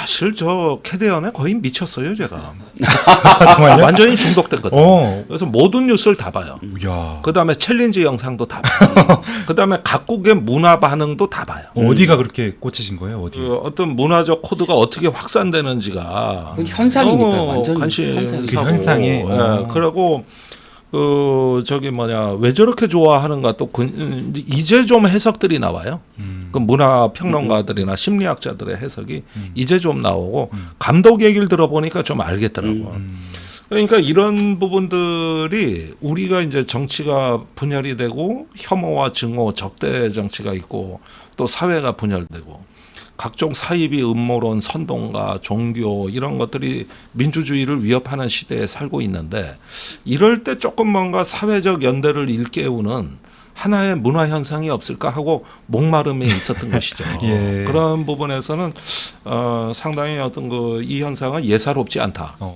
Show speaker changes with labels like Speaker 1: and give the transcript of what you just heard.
Speaker 1: 사실 저 캐대언에 거의 미쳤어요 제가.
Speaker 2: 정말요?
Speaker 1: 완전히 중독됐거든요.
Speaker 2: 어.
Speaker 1: 그래서 모든 뉴스를 다 봐요.
Speaker 2: 야.
Speaker 1: 그다음에 챌린지 영상도 다 봐요. 그다음에 각국의 문화 반응도 다 봐요.
Speaker 2: 어디가 그렇게 꽂히신 거예요? 어디?
Speaker 1: 그 어떤 문화적 코드가 어떻게 확산되는지가
Speaker 3: 그건 현상이니까
Speaker 1: 너무
Speaker 3: 완전
Speaker 1: 관심사고
Speaker 2: 그 현상에?
Speaker 1: 예, 그리고 그 저기 뭐냐 왜 저렇게 좋아하는가 또 이제 좀 해석들이 나와요. 그 문화 평론가들이나 심리학자들의 해석이 이제 좀 나오고 감독 얘기를 들어보니까 좀 알겠더라고. 그러니까 이런 부분들이 우리가 이제 정치가 분열이 되고 혐오와 증오, 적대 정치가 있고 또 사회가 분열되고 각종 사이비 음모론, 선동과 종교 이런 것들이 민주주의를 위협하는 시대에 살고 있는데 이럴 때 조금 뭔가 사회적 연대를 일깨우는 하나의 문화 현상이 없을까 하고 목마름에 있었던 것이죠.
Speaker 2: 예.
Speaker 1: 그런 부분에서는 상당히 어떤 그 이 현상은 예사롭지 않다.